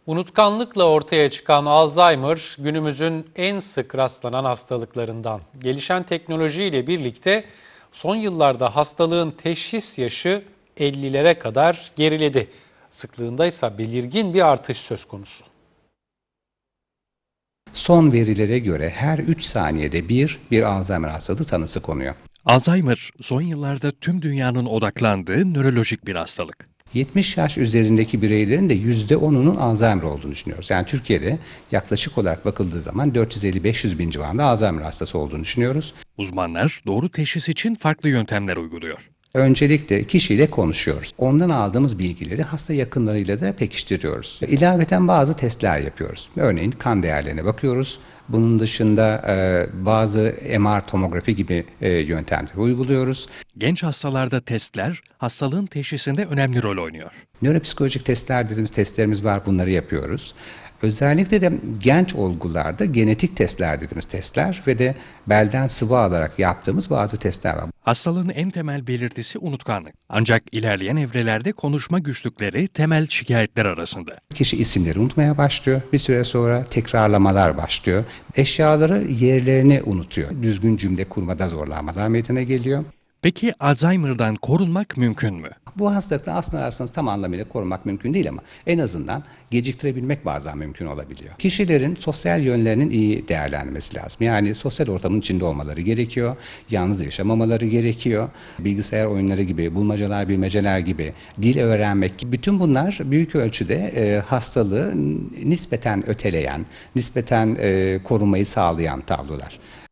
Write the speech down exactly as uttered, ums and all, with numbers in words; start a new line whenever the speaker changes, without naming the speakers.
Unutkanlıkla ortaya çıkan Alzheimer günümüzün en sık rastlanan hastalıklarından. Gelişen teknolojiyle birlikte son yıllarda hastalığın teşhis yaşı ellilere kadar geriledi. Sıklığında ise belirgin bir artış söz konusu.
Son verilere göre her üç saniyede bir, bir Alzheimer hastalığı tanısı konuyor.
Alzheimer, son yıllarda tüm dünyanın odaklandığı nörolojik bir hastalık.
yetmiş yaş üzerindeki bireylerin de yüzde onunun Alzheimer olduğunu düşünüyoruz. Yani Türkiye'de yaklaşık olarak bakıldığı zaman dört yüz elli beş yüz bin civarında Alzheimer hastası olduğunu düşünüyoruz.
Uzmanlar doğru teşhis için farklı yöntemler uyguluyor.
Öncelikle kişiyle konuşuyoruz. Ondan aldığımız bilgileri hasta yakınlarıyla da pekiştiriyoruz. İlaveten bazı testler yapıyoruz. Örneğin kan değerlerine bakıyoruz. Bunun dışında e, bazı M R tomografi gibi e, yöntemleri uyguluyoruz.
Genç hastalarda testler hastalığın teşhisinde önemli rol oynuyor.
Nöropsikolojik testler dediğimiz testlerimiz var, bunları yapıyoruz. Özellikle de genç olgularda genetik testler dediğimiz testler ve de belden sıvı alarak yaptığımız bazı testler var.
Hastalığın en temel belirtisi unutkanlık. Ancak ilerleyen evrelerde konuşma güçlükleri temel şikayetler arasında.
Kişi isimleri unutmaya başlıyor. Bir süre sonra tekrarlamalar başlıyor. Eşyaları yerlerini unutuyor. Düzgün cümle kurmada zorlanmalar meydana geliyor.
Peki Alzheimer'dan korunmak mümkün mü?
Bu hastalıktan aslında ararsanız tam anlamıyla korumak mümkün değil ama en azından geciktirebilmek bazen mümkün olabiliyor. Kişilerin sosyal yönlerinin iyi değerlenmesi lazım. Yani sosyal ortamın içinde olmaları gerekiyor. Yalnız yaşamamaları gerekiyor. Bilgisayar oyunları gibi, bulmacalar, bilmeceler gibi, dil öğrenmek gibi bütün bunlar büyük ölçüde e, hastalığı nispeten öteleyen, nispeten e, korumayı sağlayan tablolar.